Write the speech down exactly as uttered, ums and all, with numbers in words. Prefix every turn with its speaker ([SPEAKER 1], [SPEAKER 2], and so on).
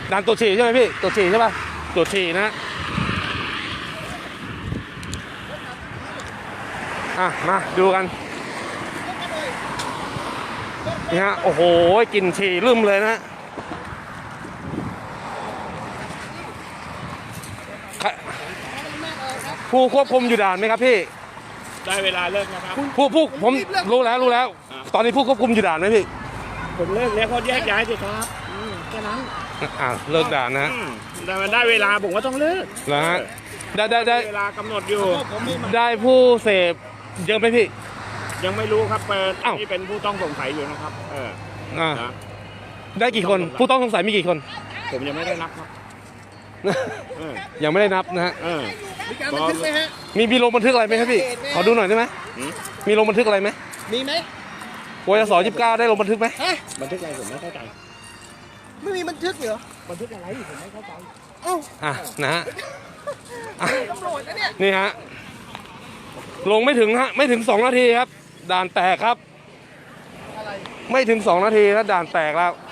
[SPEAKER 1] ด่านตรวจฉี่ใช่ไหมพี่ตรวจฉี่ใช่ป่ะตรวจฉี่นะอ่ะมาดูกันนี่ฮะโอ้โหกลิ่นฉี่ลืมเลยนะผู้ควบคุมอยู่ด่านไหมครับพี่
[SPEAKER 2] ได้เวลาเลิกนะครับ
[SPEAKER 1] ผู้ผู้ผมรู้แล้วรู้แล้วตอนนี้ผู้ควบคุมอยู่ด่านไหมพี่
[SPEAKER 2] ผมเลิกแล้วก็แยกย้ายสิครับแค่นั้น
[SPEAKER 1] อ่าเลิกด่านนะ
[SPEAKER 2] แต่มันได้เวลาผมก็ต้องเลิก
[SPEAKER 1] นะฮะได้ได้ได้
[SPEAKER 2] เวลากำหนดอยู่
[SPEAKER 1] ได้ผู้เสพเยอะไหมพี่
[SPEAKER 2] ยังไม่รู้ครับเปิดนี่เป็นผู้ต้องสงสัยอยู่นะครับเออ
[SPEAKER 1] อ่าได้กี่คนผู้ต้องสงสัยมีกี่คน
[SPEAKER 2] ผมยังไม่ได้นับครับ
[SPEAKER 1] ยังไม่ได้นับนะฮะ
[SPEAKER 3] มีการบันทึกไหมฮะ
[SPEAKER 1] มีมีลงบันทึกอะไรไหมครับพี่ขอดูหน่อยได้ไหมมีลงบันทึกอะไรไหม
[SPEAKER 3] มีไหม
[SPEAKER 1] วสยี่สิบเก้าได้ลงบันทึกไหม
[SPEAKER 2] บันทึกอะไรผมไม่เข้าใจ
[SPEAKER 3] ไม่มีบันทึกเหรอ
[SPEAKER 2] บันทึกอะไรผมไม่เข้าใจ
[SPEAKER 3] เอ้า
[SPEAKER 1] อ่ะนะฮะ
[SPEAKER 3] ตำรวจนะเนี่ย
[SPEAKER 1] นี่ฮะลงไม่ถึงฮะไม่ถึงสองนาทีครับด่านแตกครับไม่ถึงสองนาทีแล้วด่านแตกแล้ว